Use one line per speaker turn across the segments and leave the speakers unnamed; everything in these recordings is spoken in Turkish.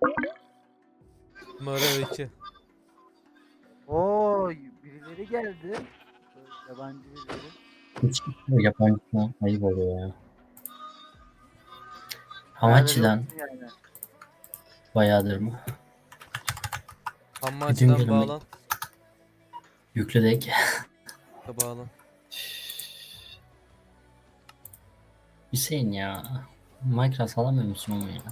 Numara 2.
Oo, birileri geldi. Yabancı birileri.
Hiç yabancı falan ayıp oluyor ya.
Beraber
Hamachi'den
yoksun yani.
bayağıdır mı? Bütün
Hammaçıdan
günümü
bağlan.
yükledik.
Da bağlan.
Hüseyin ya. Minecraft alamıyor musun onu ya?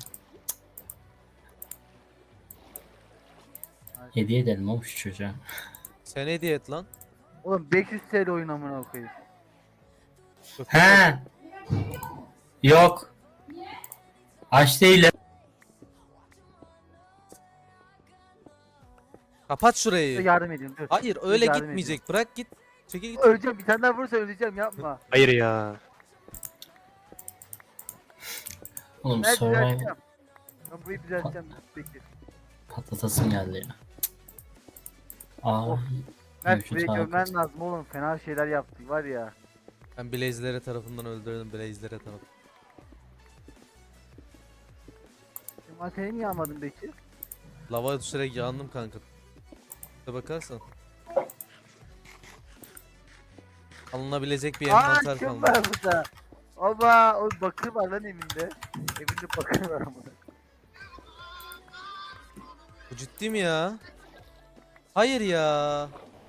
Hediye edelim oğlum şu çocuğa.
Sen hediye et lan.
Oğlum 500 TL oyun amına koyayım.
He. Yok. Aç değilim.
Kapat
Dur
şurayı.
yardım edeyim dur.
Hayır
Dur,
öyle
yardım
gitmeyecek. Bırak git. Çekil git.
Öleceğim, bir tane daha vurursa öleceğim, yapma.
Hayır ya.
Oğlum
Ben
survival
düzelteceğim. Ben burayı düzelteceğim. Bekir.
patlatasım geldi ya. Aa.
Of. Mert
mevcut
burayı
halka.
görmen lazım oğlum. Fena şeyler yaptı var ya.
Ben Blaze'lere tarafından öldürdüm. Blaze'lere tarafından.
Materyali niye almadın Bekir?
Lava düşerek yandım kanka. Bir bakarsan. Alınabilecek bir
Aa,
envanter
kim
kalmadı.
var burada? Oba, o bakır var lan evinde. Evinde bakır var ama.
Bu ciddi mi ya? Hayır ya.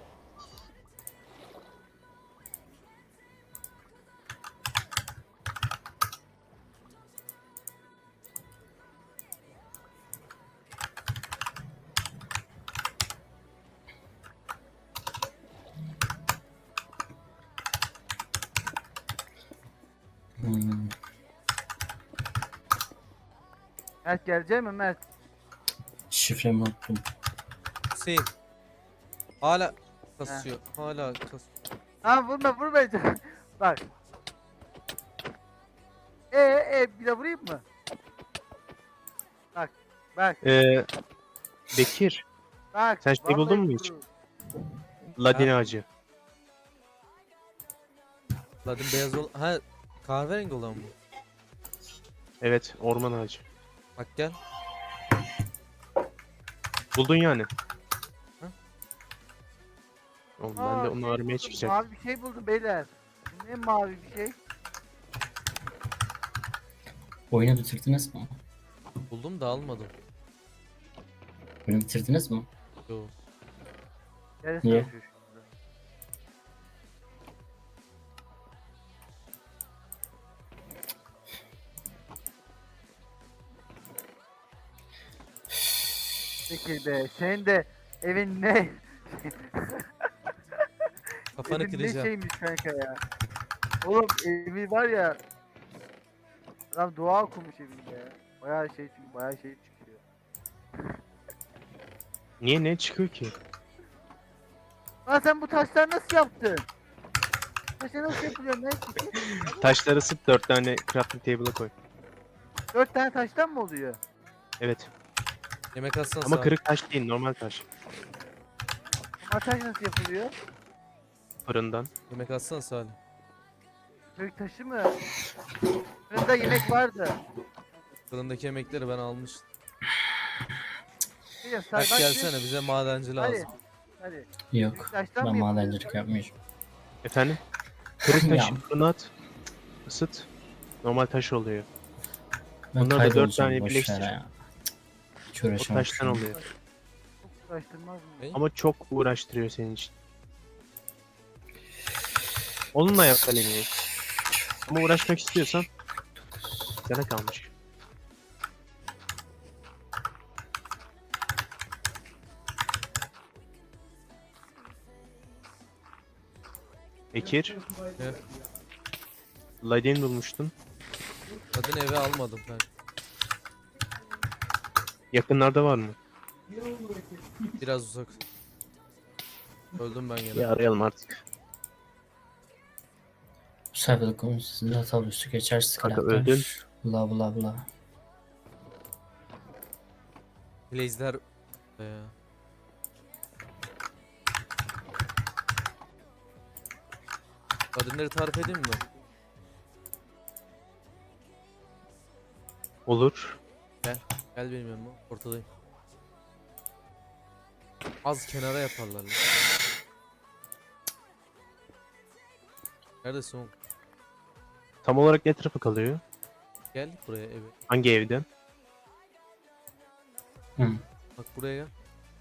Hmm.
Mert gelecek mi Mert?
Şifremi unuttum.
Hüseyin. Hala kasıyor. Hala kasıyor.
Ha, vurma bak. Bir de vurayım mı? Bak
Bekir.
bak.
Sen şey buldun
vallahi
mu hiç?
vururum.
Ladin
Ha?
ağacı.
Zaten beyaz ol... Ha kahverengi olan mı?
Evet, orman ağacı.
Bak gel.
Buldun yani.
Hı?
Oğlum ben de onu aramaya
buldum,
çıkacak.
Mavi bir şey buldum beyler. Bu ne mavi bir şey?
Oyunu bitirdiniz mi?
Buldum da almadım.
Oyunu bitirdiniz mi?
Yo.
Neresi
Niye?
yapıyor şurada? Peki be, senin de evin ne?
Kafanı
Evin ne
kıracağım.
şeymiş kanka ya? Oğlum evi var ya. Adam dua okumuş evinde ya. Bayağı şey, çünkü bayağı şey çıkıyor.
Niye ne çıkıyor ki?
Lan sen bu taşları nasıl yaptın? Taşlar nasıl yapılıyor? Ne?
Taşları ısıt 4 tane crafting table'a koy.
4 tane taştan mı oluyor?
Evet.
Yemek atsana
Ama
sağ.
kırık taş değil, normal taş.
Ama taş nasıl yapılıyor?
Fırından.
Yemek atsana Salih.
Kök taşı mı? Fırında yemek vardı.
Fırındaki yemekleri ben almıştım.
Biliyorum,
Bak
bak,
gelsene bize madenci
Hadi.
lazım.
Hadi.
Yok.
Taştan
Ben
mı yapılıyor?
madencilik yapmayacağım.
Efendim? Kırık
Ya.
taşı fırına at. Isıt. Normal taş oluyor.
Ben
Bunları da 4
kaybolacağım,
tane
boş
birleştir.
ver ya. Hiç
O
uğraşamam
taştan
şu an.
oluyor.
Çok uğraştırmaz mı?
Ne?
Ama çok uğraştırıyor senin için. Onunla yap kalemi. Ama uğraşmak istiyorsan sana kalmış. Bekir,
Ne?
Ladin bulmuştun.
Kadın eve almadım ben.
Yakınlarda var mı?
Biraz uzak. Öldüm ben
Ya
yine.
arayalım artık.
Bu sayfada konu sizin hatalı üstü geçer
Kanka
sıkıntı.
öldün.
Bla bla bla.
Blaze'ler... Kadınları tarif edeyim mi?
Olur.
Gel. Gel benim yanıma. Ortadayım. Az kenara yaparlar lan. Neredesin oğlum?
Tam olarak ne tarafı kalıyor?
Gel buraya eve.
Hangi evden?
Hı.
Bak buraya gel.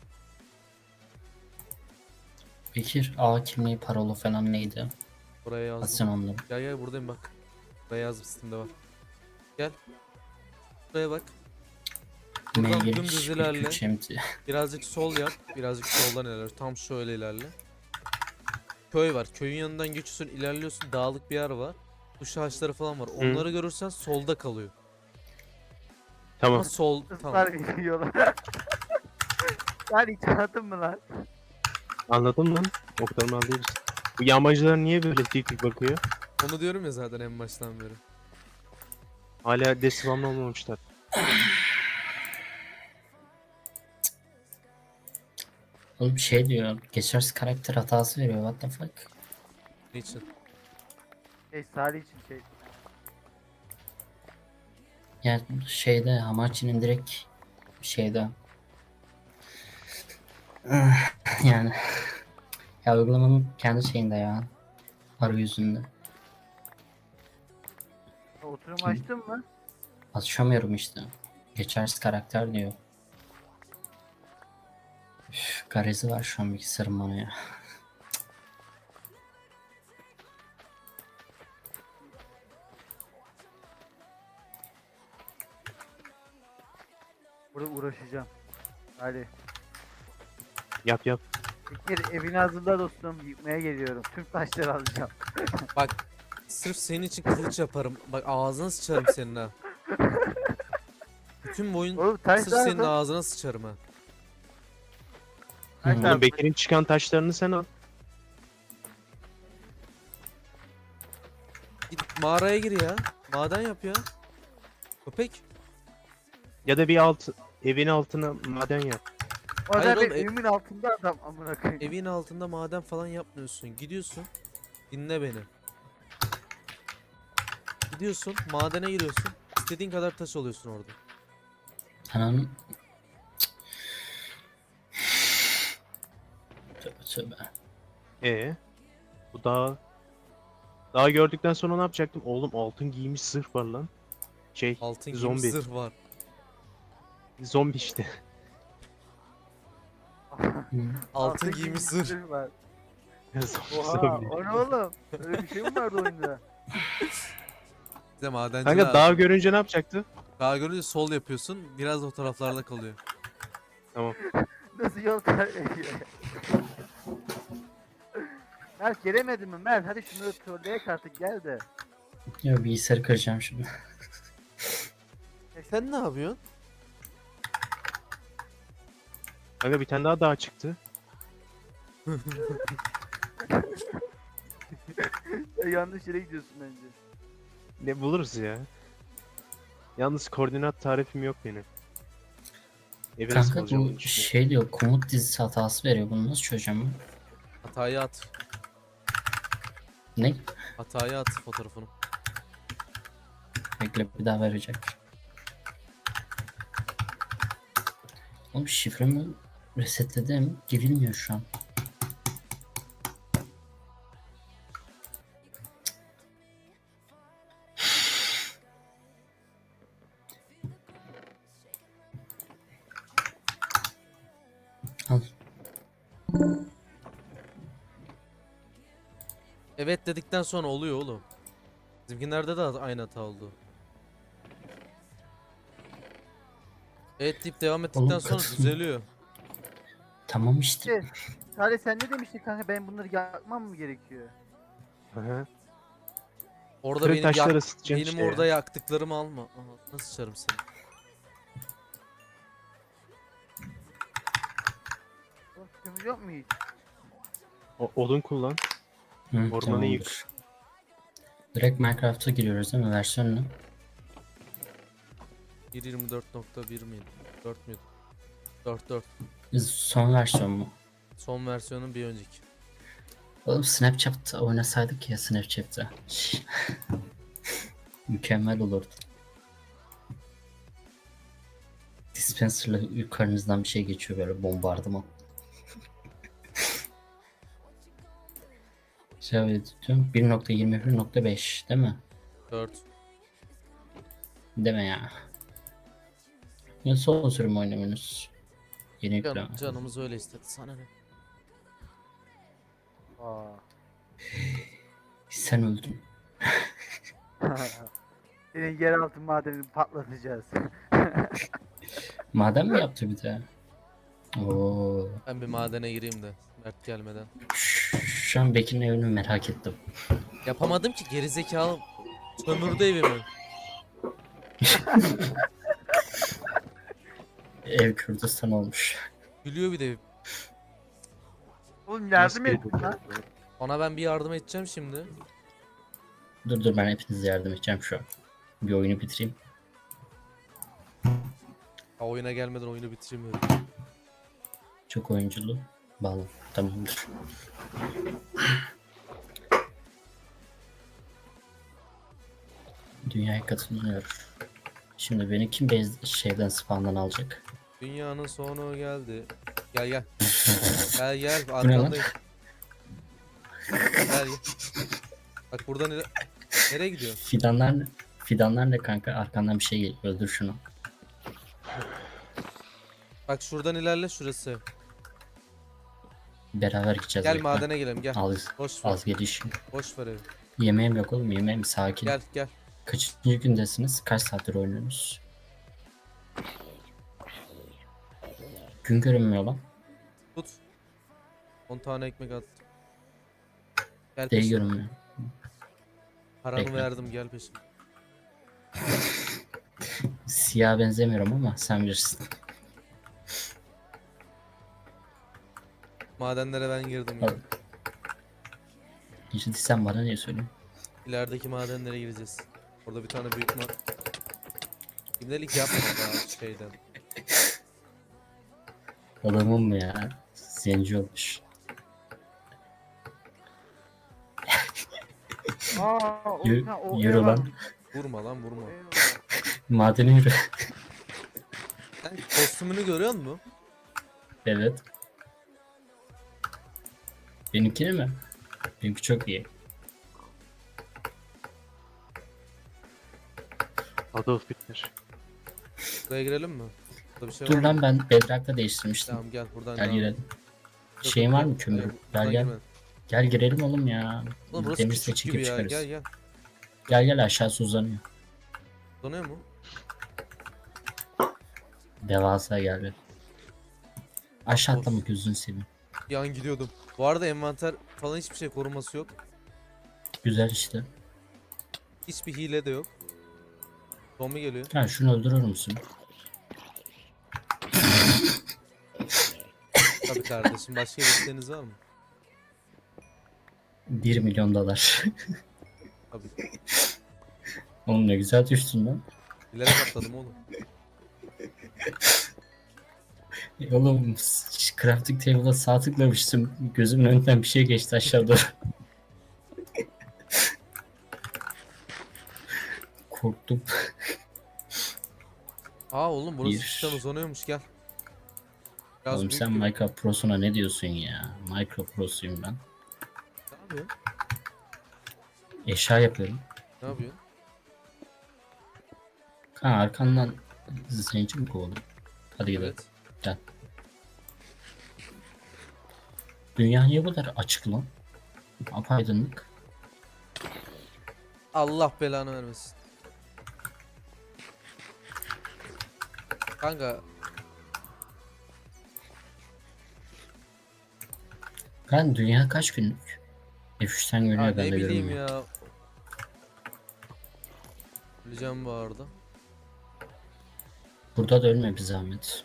Bekir A kimliği parola falan neydi?
Buraya yazdım.
Atsın onları.
Gel gel buradayım bak. Buraya yazdım, Steam'de var. Gel. Buraya bak. Buradan
Mail
dümdüz
2
ilerle.
3 MT.
Birazcık sol yap. Birazcık soldan ilerle. Tam şöyle ilerle. Köy var. Köyün yanından geçiyorsun, ilerliyorsun. Dağlık bir yer var. Duş ağaçları falan var. Onları görürsen solda kalıyor.
Tamam.
Ama sol tamam.
Kızlar yiyorlar. Lan hiç anladın mı lan?
Anladın lan. Oklarımı alıyoruz. Bu yağmacılar niye böyle dik dik bakıyor?
Onu diyorum ya zaten en baştan beri.
Hala desivamlı olmamışlar.
Oğlum şey diyor. Geçersiz karakter hatası veriyor. What the fuck?
Niçin?
Salih için şey.
Yani şeyde Hamachi'nin direkt şeyde yani ya uygulamanın kendi şeyinde ya arayüzünde.
Oturum açtın mı?
Açamıyorum işte. Geçersiz karakter diyor. Üf, garezi var şu an bilgisayarım bana ya.
Burada uğraşacağım. Hadi.
Yap yap.
Fikir evini hazırla dostum. Yıkmaya geliyorum. Tüm taşları alacağım.
Bak sırf senin için kılıç yaparım. Bak ağzına sıçarım senin ha. Bütün boyun
Oğlum taş
sırf senin
lazım.
ağzına sıçarım ha.
Taş
Hı.
Oğlum
lazım.
Bekir'in çıkan taşlarını sen al.
Git mağaraya gir ya. Maden yap ya. Köpek.
Ya da evin altına maden yap.
O
Hayır
da
oğlum,
benim evimin altında adam amına koyayım.
Evin altında maden falan yapmıyorsun. Gidiyorsun. Dinle beni. Gidiyorsun madene giriyorsun. İstediğin kadar taş alıyorsun orada.
Ananın tövbe tövbe.
Bu dağı gördükten sonra ne yapacaktım? Oğlum altın giymiş zırh var lan.
Altın
Zombi.
giymiş zırh var.
Zombi işte.
Hı.
Altın giymiş zırh.
var.
Zombi.
Oha o ne oğlum? Öyle bir şey mi vardı oyunda?
Bize madenci
Kanka
lazım.
dağı görünce ne yapacaktı?
Dağı görünce sol yapıyorsun. Biraz da o taraflarda kalıyor.
Tamam.
Nasıl yol tarif Mert gelemedin mi Mert? Hadi şunları trolleyek artık gel de.
Ya bilgisayarı kıracağım şimdi.
Sen ne yapıyorsun?
Kanka bir tane daha dağ çıktı.
Ya, yanlış yere gidiyorsun bence.
Ne buluruz ya? Yalnız koordinat tarifim yok benim. Evi nasıl
Kanka
bulacağım
bu
bunu düşünüyorum.
şey diyor komut dizisi hatası veriyor. Bunu nasıl çözeceğim ben?
Hatayı at.
Ne?
Hatayı at fotoğrafını.
Bekle bir daha verecek. Oğlum şifremi resetledim. Girilmiyor şu an. Al.
Evet dedikten sonra oluyor oğlum. Bizimkinlerde de aynı hata oldu. Evet deyip devam ettikten
Oğlum,
sonra
kaçsın.
düzeliyor.
Tamam işte.
Salih sen ne demiştin kanka ben bunları yakmam mı gerekiyor?
Hı.
Orada
Kırık
benim
taşları ısıtacaksın
benim
işte
orada
ya.
yaktıklarımı alma. Aha, nasıl sıçarım seni?
Oğlum kömür yok mu hiç?
Odun kullan.
Hı,
Ormanı
tamamdır.
yık.
Direkt Minecraft'a giriyoruz değil mi? Versiyon ne?
1.24.1 miydi? 4 müydü? 4.
Biz son versiyon mu?
Son versiyonun bir önceki.
Oğlum Snapchat'ta oynasaydık ya Snapchat'ta. Mükemmel olurdu. Spencer'la yukarınızdan bir şey geçiyor böyle bombardıman. Şey diyorum 1.21.5 değil mi?
4.
Deme ya. Ya son sürüm oynuyorsunuz. Yeni yükleme.
Canımız öyle istedi. Sana ne?
Aa.
Sen öldün.
Senin yeraltı madenini patlatacağız.
Maden mi yaptı bir de? Oo.
Ben bir madene gireyim de Mert gelmeden.
Şu an Bekir'in evini merak ettim.
Yapamadım ki gerizekalı. Sömürdü evimi.
Ev Kürdistan olmuş.
Gülüyor bir de.
Oğlum yardım
Nasıl
et lan.
Ona ben bir yardım edeceğim şimdi.
Dur ben hepinize yardım edeceğim şu an. Bir oyunu bitireyim.
Ha, oyuna gelmeden oyunu bitiremiyorum.
Çok oyunculu. Bağlı. Tamamdır. Dünyaya katılmıyor. Şimdi beni kim şeyden spawn'dan alacak?
Dünyanın sonu geldi. Gel gel. Gel gel
Bu ne lan?
arkandayım. Gel gel. Bak buradan nereye gidiyor?
Fidanlar ne kanka? Arkandan bir şey geliyor. Öldür şunu.
Bak şuradan ilerle şurası.
Beraber gideceğiz.
Gel
bekle.
madene girelim gel.
Az,
Boş ver.
az geliş.
Boş ver evi.
Yemeğim yok oğlum yemeğim sakin.
Gel gel.
Kaçıncı gündesiniz? Kaç saattir oynuyorsunuz? Gün görünmüyor lan.
Tut. 10 tane ekmek attım. Gel
Değil
peşime.
görünmüyor.
Paranı
Bekle.
verdim gel peşime.
Siyah benzemiyorum ama sen bilirsin.
Madenlere ben girdim ya.
Al. Hiç sen bana niye söylüyorsun?
İlerideki madenlere gireceğiz. Orada bir tane büyük İbnelik yapma daha şeyden.
Adamım mı ya? Zenci olmuş.
Aa, o,
Yürü-
ha, o
yürü
ev
lan.
varmış.
Vurma lan vurma.
O ev var.
Madeni yürü.
Sen kostümünü görüyor musun?
Evet. Benimkini mi? Benimki çok iyi.
Adolf Hitler.
Buraya girelim mi? Burada bir şey
Dur
var mı?
lan ben Bedrock'ta değiştirmiştim.
Tamam gel buradan
Gel
devam.
girelim.
Yok,
Şeyin
yok,
var mı
yok.
kömür?
Buradan
Gel gel.
girmedim.
Gel girelim oğlum ya.
Oğlum burası
Demir
küçük
set çekip
gibi ya.
çıkarız.
Gel gel.
Gel gel aşağısı uzanıyor.
Donuyor mu?
Devasa geldi. Aşağı
Of.
atlama gözünü seveyim.
Bir an gidiyordum. Bu arada envanter falan hiçbir şey koruması yok.
Güzel işte.
Hiçbir hile de yok. Zombi geliyor.
Ha şunu öldürür müsün?
Tabii kardeşim. Başka bir isteğiniz var mı?
1 milyon dolar.
Tabii.
Oğlum ne güzel düştün lan.
Bilerek atladım oğlum.
Oğlum crafting table'a sağ tıklamıştım. Gözümün önünden bir şey geçti aşağı doğru. Korktum.
Aa oğlum burası
Bir.
cidden uzanıyormuş gel. Biraz
Oğlum
büyük
sen
gibi.
Minecraft Pro'suna ne diyorsun ya? Minecraft Pro'suyum ben.
Ne yapıyorsun?
Eşya yapıyorum.
Ne yapıyorsun?
Ha arkandan zenci mi kovalım? Hadi gidelim.
Evet.
Gel. Dünya niye bu kadar açık lan? Apaydınlık.
Allah belanı vermesin. Kanka
Ben dünya kaç günlük? F3'ten
ya
görünüyor
ne
ben de
bileyim
görünmüyor.
ya. Öleceğim bu arada.
Burada da ölme bir zahmet.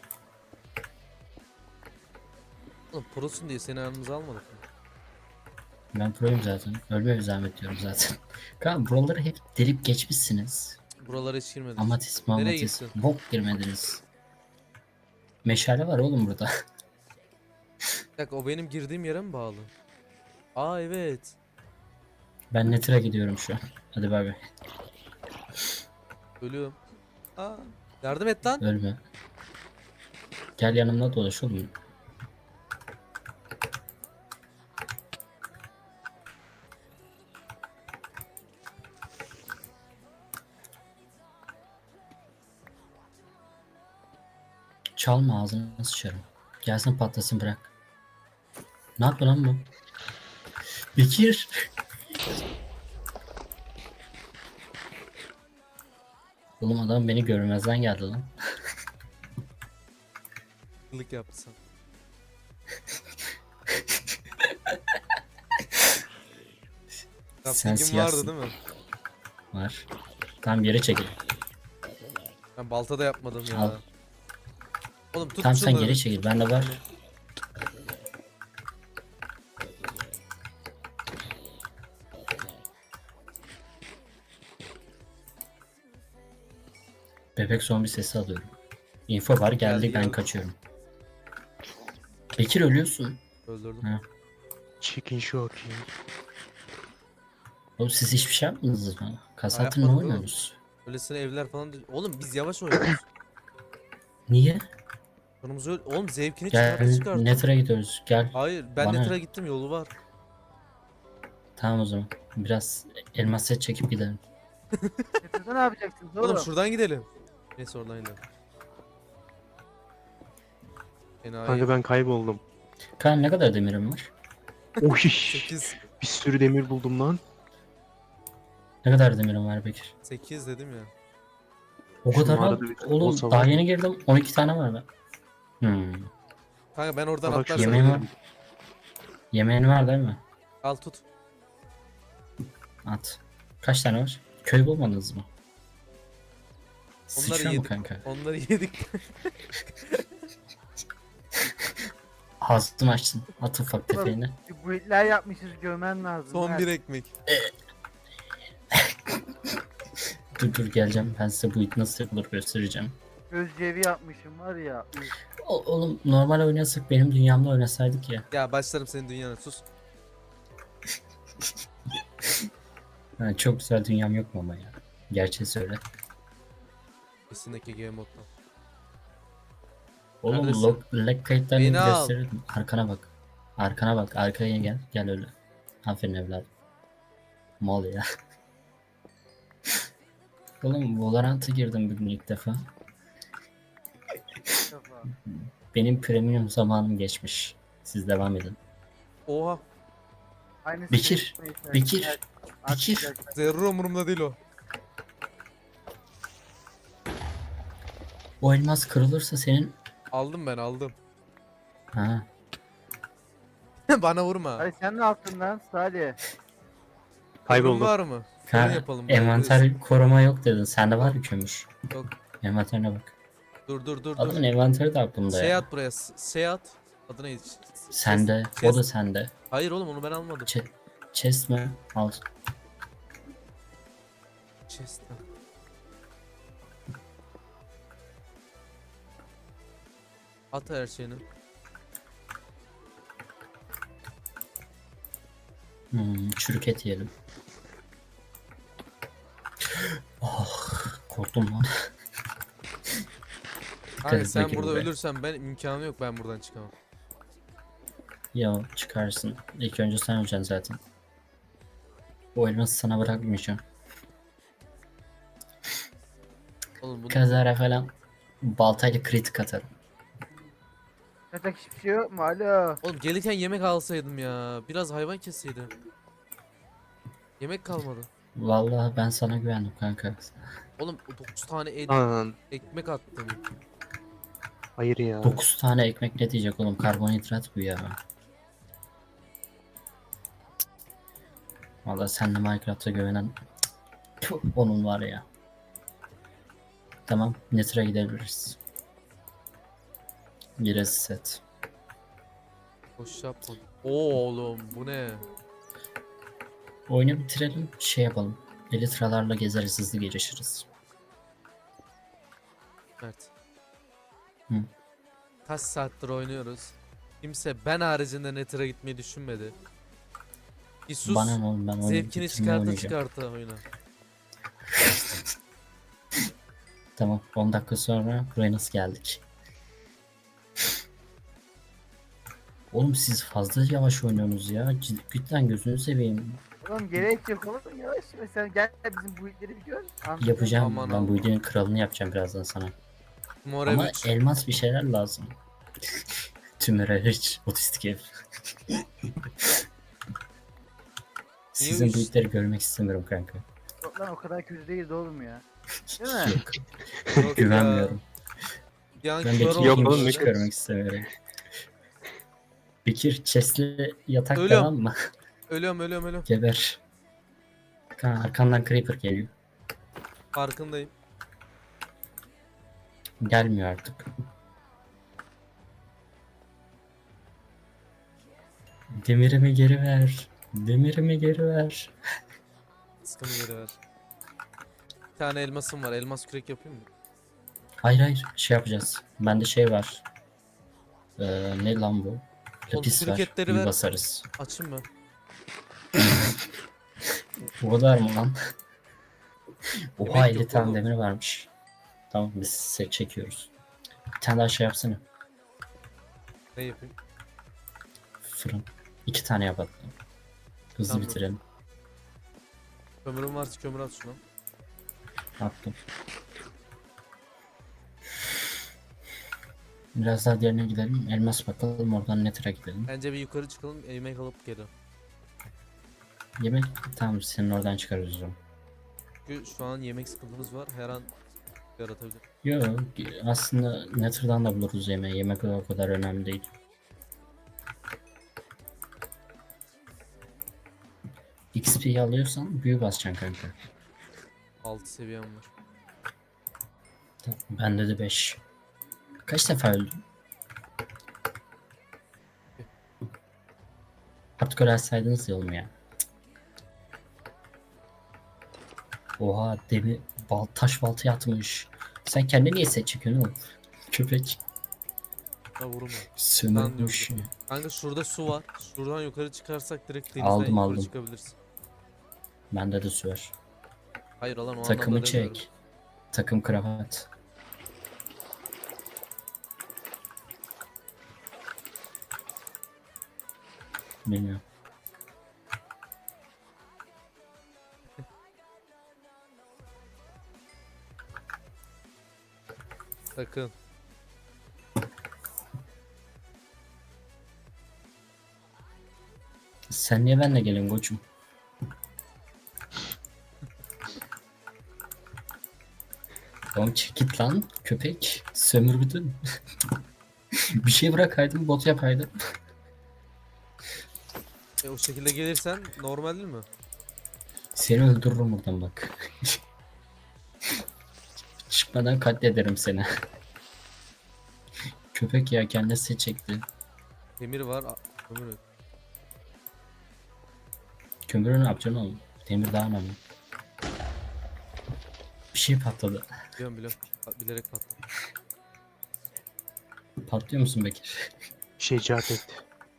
Oğlum prosun diye seni aramıza almadık mı?
Ben proyum zaten. Ölme bir zahmet diyorum zaten. Kanka buraları hep delip geçmişsiniz.
Buralara hiç girmedik.
Amatis
Nereye
mamatis.
gittin?
Bok girmediniz. Meşale var oğlum burada.
Bir dakika o benim girdiğim yere mi bağlı? Aa evet.
Ben Nether'a gidiyorum şu an. Hadi bay bay.
Ölüyorum. Aa yardım et lan.
Ölme. Gel yanımda dolaş oğlum. Çalma ağzını sıçarım. Gelsin patlasın bırak. Ne yapıyor lan bu? Bekir. Oğlum adam beni görmezden geldi lan.
Kılık yapsın.
Sen
Crafting'im vardı
siyahsın.
değil mi?
Var. Tam yere çekil.
Ben balta da yapmadım ya.
Al.
Oğlum tut
Tam sen
şunları.
geri çekil. Bende var. Bebek zombi sesi alıyorum. Info var geldi, ben
geldi.
kaçıyorum. Bekir ölüyorsun.
Öldürdüm.
Ha.
Chicken shock.
Oğlum siz hiçbir şey yapmadınız mı? Kasatın ne
yapmadık oğlum.
oynuyorsunuz?
Öylesine evler falan değil. Oğlum biz yavaş oynuyoruz.
Niye?
Sonumuz öyle. Oğlum zevkini
Gel
çıkart.
Nether'a gidiyoruz. Gel.
Hayır ben
Bana
Nether'a
ne?
gittim yolu var.
Tamam o zaman. Biraz elmas set çekip gidelim.
Nether'da ne yapacaksınız
Oğlum
oğlum?
şuradan gidelim. Neyse oradan gidelim.
Kanka
Enayi.
ben kayboldum.
Kaan ne kadar demirim var?
Oy.
8.
Bir sürü demir buldum lan.
Ne kadar demirim var Bekir?
8 dedim ya.
O
Şu
kadar
mağarada
al.
bir
Oğlum
olsa
daha
var.
yeni girdim. 12 tane var da.
Kanka ben oradan
Bak
atlarsam.
şu
yemeğim var.
ölürüm.
Yemeğin var değil mi?
Al tut.
At. Kaç tane var? Köy bulmadınız mı?
Onları
Sıçıyor mu
yedik.
kanka?
Onları yedik.
Ağzını açtın. At ufak tefeğini.
Bir build'ler yapmışız görmen lazım.
Son
Mert.
bir ekmek.
Dur geleceğim. Ben size bu it nasıl yapılır göstereceğim.
Gözcevi yapmışım var ya. üf.
Oğlum normal oynasak benim dünyamda oynasaydık ya.
Ya başlarım senin dünyana sus.
Ha, çok güzel dünyam yok mu ama ya? Gerçeği söyle.
Kesinlikle game modda.
Oğlum
Neredesin?
lag kayıtlarını
Beni al.
gösterirdim. Arkana bak. Arkana bak. Arkaya gel. Gel öyle. Aferin evladım. Mal ya. Oğlum Valorant'a girdim bugün ilk defa.
İlk defa.
Benim premium zamanım geçmiş. Siz devam edin.
Oha.
Aynısı
Bekir,
neyse.
Bekir,
Evet,
Bekir.
artık-
Zerre umurumda değil o.
O elmas kırılırsa senin...
Aldım ben aldım.
Ha.
Bana vurma.
Hadi sen ne yaptın lan Salih?
Ürün
Kayboldum.
var mı?
Ha,
Fırın yapalım.
envanter koruma yok dedin. Sende var mı kömür?
Yok.
Envanterine bak.
Dur.
Adamın envanteri de aklımda
Şey
ya.
at buraya. Şey at. Adı neydi?
Sende. O
Chest.
da sende.
Hayır oğlum onu ben almadım.
Chest mi? Al.
Chest. At her şeyini.
Çürük et yiyelim. Oh, korktum lan.
Kanka
et
sen
bakayım
burada
buraya.
ölürsen ben imkanı yok ben buradan çıkamam.
Ya çıkarsın. İlk önce sen öleceksin zaten. O elması sana bırakmayacağım.
Oğlum bu
Kazara falan baltayla kritik atarım.
Yatak hiçbir şey yok mu? Alo.
Oğlum gelirken yemek alsaydım ya. Biraz hayvan kesseydim. Yemek kalmadı.
Vallahi ben sana güvendim kanka.
Oğlum 9 tane
Lan
ekmek attım.
hayır ya.
9 tane ekmek ne diyecek oğlum, karbonhidrat bu ya. Vallahi sen de Minecraft'a güvenen onun var ya. Tamam, Nether'a gidebiliriz. Giresi set.
Boş yapma. Oo oğlum bu ne?
Oyunu bitirelim, şey yapalım. Elitralarla gezeriz, hızlı gelişiriz.
Mert.
Hı.
Kaç saattir oynuyoruz. Kimse ben haricinde Nether'a gitmeyi düşünmedi. Bir sus.
Bana ne oğlum, ben oyunu
Zevkini
bitirmeye
çıkarta
oynayacağım.
çıkarta oyuna.
Tamam, 10 dakika sonra buraya nasıl geldik? Oğlum siz fazla yavaş oynuyorsunuz ya. Cidden gözünü seveyim.
Oğlum gerek yok oğlum yavaş mesela gel bizim bu itleri bir gör. Anladın?
Yapacağım.
Aman
Ben bu
Allah.
videonun kralını yapacağım birazdan sana.
Mor
Ama
ev 3.
elmas bir şeyler lazım. Tümöre hiç otistik ev. Sizin bu
Neymiş?
itleri görmek istemiyorum kanka.
Yok lan o kadar kötü değil oğlum ya. Değil mi?
Yok.
Yok
Güvenmiyorum.
Ya.
Ben
kör
Bekir'i
oldum
Yok
hiç
oğlum,
böyle.
ne
görmek istemiyorum. Bekir chest'li yatak
Ölüyorum.
devam mı?
Ölüyorum.
Geber. Arkandan creeper geliyor.
Farkındayım.
Gelmiyor artık. Demirimi geri ver. Demirimi geri ver.
Sıkımı geri ver. Bir tane elmasım var. Elmas kürek yapayım mı?
Hayır hayır şey yapacağız. Bende şey var. Ne lan bu? Lapis
çürük
var.
etleri
Büyü
ver.
basarız.
Açayım mı?
Bu kadar mı lan? Oha
Yemek
50
yok
tane
oğlum.
demir varmış. Tamam biz set çekiyoruz. Bir tane daha şey yapsana.
Ne yapayım?
Fırın. 2 tane yap hatta. Hızlı
Tamam.
bitirelim.
Kömürüm varsa kömür at şuna.
Attım. Biraz daha derine gidelim. Elmas bakalım oradan Nether'a gidelim.
Bence bir yukarı çıkalım. Yemek alıp geri.
Yemek tamam senin oradan çıkarız o zaman.
Çünkü şu an yemek sıkıntımız var. Her an yaratabilir.
Yok aslında Nether'dan da buluruz yemeği. Yemek o kadar önemli değil. XP'yi alıyorsan büyü basacaksın kanka.
6 seviyem var.
Bende de 5. Kaç defa öldüm? Artık öğrenseydiniz ya oğlum ya. Oha demir taş baltaya atmış. Sen kendini niye set çekiyorsun oğlum? Köpek.
Ha vurma.
Sömürmüş.
Kanka şurada su var. Şuradan yukarı çıkarsak direkt denizden
Aldım,
yukarı
aldım.
çıkabilirsin.
Bende de su var.
Hayır lan o
Takımı
anlamda demiyorum.
çek. Takım kravat. Bilmiyorum.
Sakın.
Sen niye benimle gelin koçum? Oğlum çık git lan köpek. Sömürdün. Bir şey bırakaydın bot yapaydın.
O şekilde gelirsen normal değil mi?
Seni öldürürüm buradan bak. Çıkmadan katlederim seni. Köpek ya kendisi çekti.
Demir var. Kömür yok.
Kömürü ne yapacaksın oğlum? Demir daha önemli. Bir şey patladı.
Biliyorum. Bilerek patladım.
Patlıyor musun Bekir?
Şecaat etti.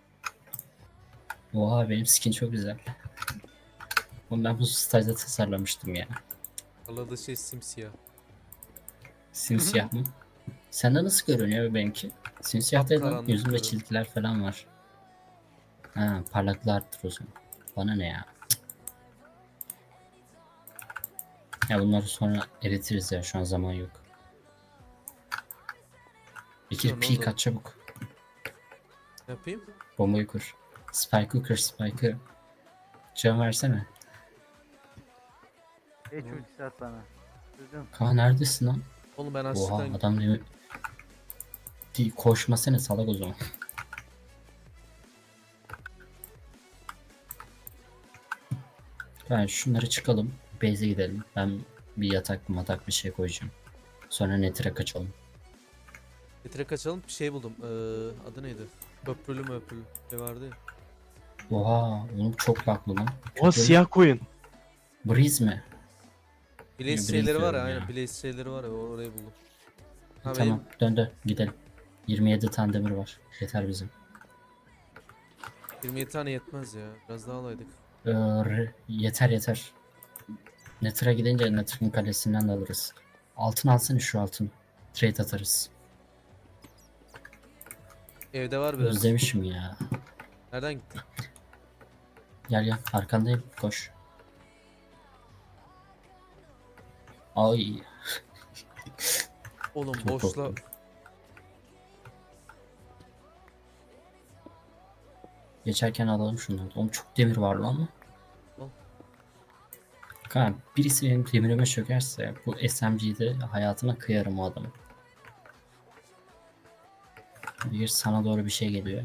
Oha benim skin çok güzel. Oğlum ben bu stajda tasarlamıştım ya.
Parladığı şey simsiyah.
Simsiyah mı? Sende nasıl görünüyor benimki? Simsiyah değil lan.
Kapkaranlık
Yüzümde
görünüyor.
çizgiler falan var. Ha parlaklığı arttır o zaman. Bana ne ya? Ya bunları sonra eritiriz ya şu an zaman yok. Bekir
Sonra
peek
olur.
at çabuk.
Ne yapayım?
Bombayı kur. Spike'ı kır Spike'ı. Can versene.
Geç ultisi at bana. Duydun.
Kaan neredesin lan?
Oğlum ben
Oha
açlıktan
adam değil mi? Koşmasana salak o zaman. Ben şunları çıkalım. Base'e gidelim. Ben bir yatak matak bir şey koyacağım. Sonra Nether'e kaçalım.
getire kaçalım. Bir şey buldum. Adı neydi? Köprülü. Ne vardı ya.
Oha oğlum çok laklı lan.
O
Kötü.
siyah koyun.
Breeze mi?
Blaze
Blaze
şeyleri var ya.
diyorum
Aynen.
ya.
Blaze şeyleri var ya. Orayı buldum. Ha,
Tamam dön gidelim. 27 tane demir var. Yeter bizim.
Benim 27 tane yetmez ya. Biraz daha alaydık.
Yeter. Nether'a gidince Nether'ın kalesinden de alırız. Altın alsana şu altın. Trade atarız.
Evde var biraz.
Özlemişim ya.
Nereden gittin?
Gel gel arkandayım koş. Ay
Oğlum
çok
boşla.
korktum. Geçerken alalım şunları. Oğlum çok demir var lan.
Al.
Kanka birisi benim demirime çökerse bu SMG'de hayatına kıyarım o adamı. Bir sana doğru bir şey geliyor.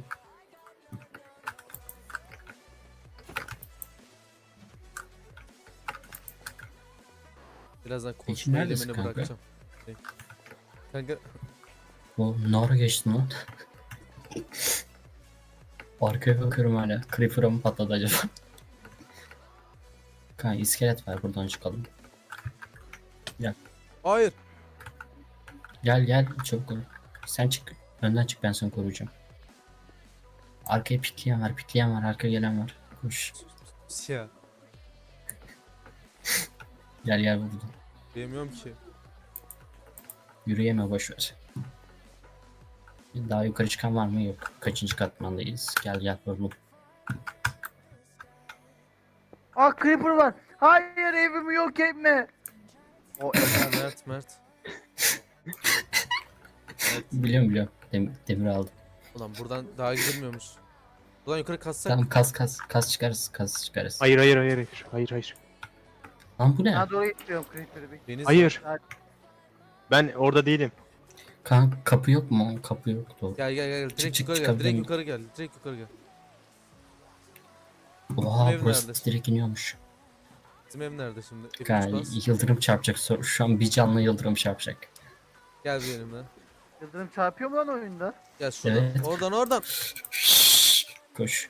Birazdan
Peki
koşma
neredesin
eylemini
kanka?
bırakacağım. Kanka
O ne ara geçtin lan? Arkaya bakıyorum hala. Creeper'a mı patladı acaba? Kanka iskelet var buradan çıkalım.
hayır.
Gel gel çabuk ol. Sen çık. Önden çık ben seni koruyacağım. Arkaya pikleyen var, arkaya gelen var. Koş.
Ya
Gel gel buradan.
bilmiyorum ki.
Yürüyeme boş ver. Daha yukarı çıkan var mı? Yok. Kaçıncı katmandayız? Gel gel vuralım.
Ah creeper var. Hayır evimi yok etme. O
Ha, Mert.
Biliyorum. Demir aldım.
Ulan buradan daha gidilmiyormuş. Buradan yukarı kassak.
Tamam kas çıkarız.
Hayır.
Lan bu ne?
Sana doğru getiriyorum creeper'ı.
Deniz
Hayır.
Hadi.
Ben orada değilim.
Kanka kapı yok mu? Kapı yok. Doğru.
Gel. Direkt
çık,
yukarı gel.
çıkabilir
Direkt
miyim?
yukarı gel. Direkt yukarı gel.
Oha
ev
burası
nerede?
direkt iniyormuş.
Bizim ev nerede şimdi? F3
Kanka
bas.
yıldırım çarpacak. Şu an bir canlı yıldırım çarpacak.
Gel benimle.
Yıldırım çarpıyor mu lan oyunda?
Gel şuradan.
Evet.
Oradan.
Koş.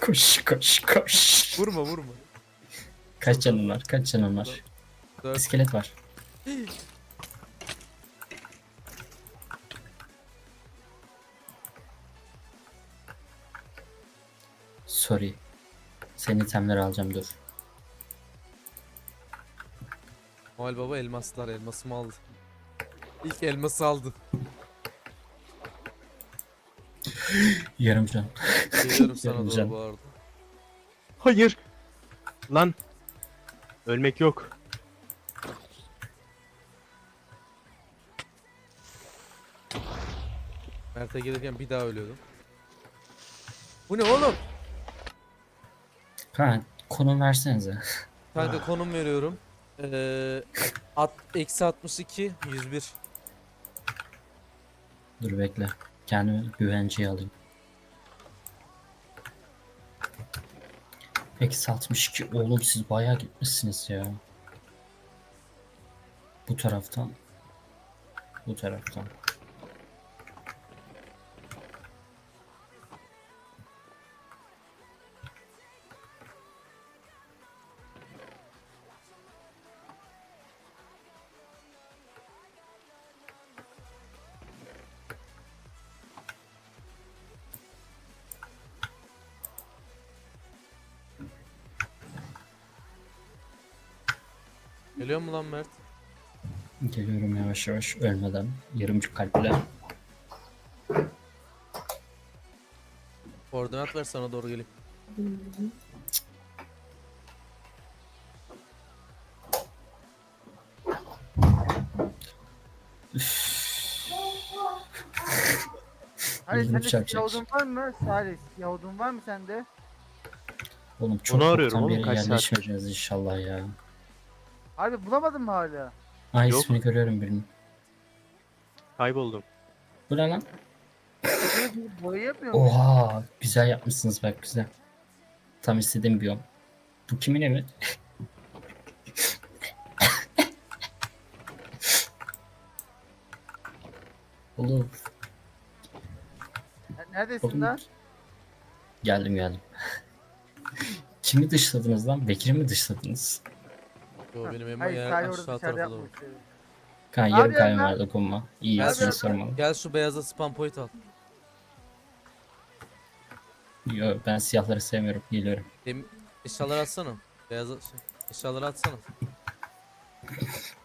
Koş.
Vurma.
Kaç canın var?
4.
İskelet var. Sorry. Senin itemleri alacağım dur.
Noel Baba elmasımı aldı. İlk elması aldı.
Yarım can.
Geliyorum sana doğru
Geleceğim.
bu arada.
Hayır. Lan. Ölmek yok.
Mert'e gelirken bir daha ölüyordum. Bu ne oğlum?
Kanka konum versenize.
Kanka konum veriyorum. Eksi 62 101.
Dur bekle. Kendimi güvenceye alayım. Eksi 62. Oğlum siz bayağı gitmişsiniz ya. Bu taraftan.
Geliyor mu lan Mert?
Geliyorum yavaş yavaş ölmeden. Yarımcık kalple.
Koordinat ver sana doğru geleyim.
Hani
Yıldırım
sende
çarpacak.
siyah odun var mı? Salih siyah odun var mı sende?
Oğlum çok
Onu arıyorum
çoktan
oğlum,
beri
kaç saattir.
yerleşmeyeceğiz inşallah ya.
Abi bulamadın mı hala?
Ay
Yok.
ismini görüyorum birinin.
Kayboldum.
Bu ne lan?
Boya yapmıyor musun?
Oha güzel yapmışsınız bak güzel. Tam istediğim biyom. Bu kimin evi? Oğlum,
Neredesin
oğlum.
lan?
Geldim. Kimi dışladınız lan? Bekir'i mi dışladınız?
Yo benim evime
Hayır
yer
Salih orada
aşağı
dışarıda
tarafa doğru.
yapmış.
Kan
Ne
yarım
yapıyorsun
kalbim
lan?
var dokunma. İyi
Gel
yapsın
şu-
sormalı.
Gel şu beyaza spam point al.
Yo, ben siyahları sevmiyorum. Geliyorum.
Eşyaları atsana. Eşyaları atsana.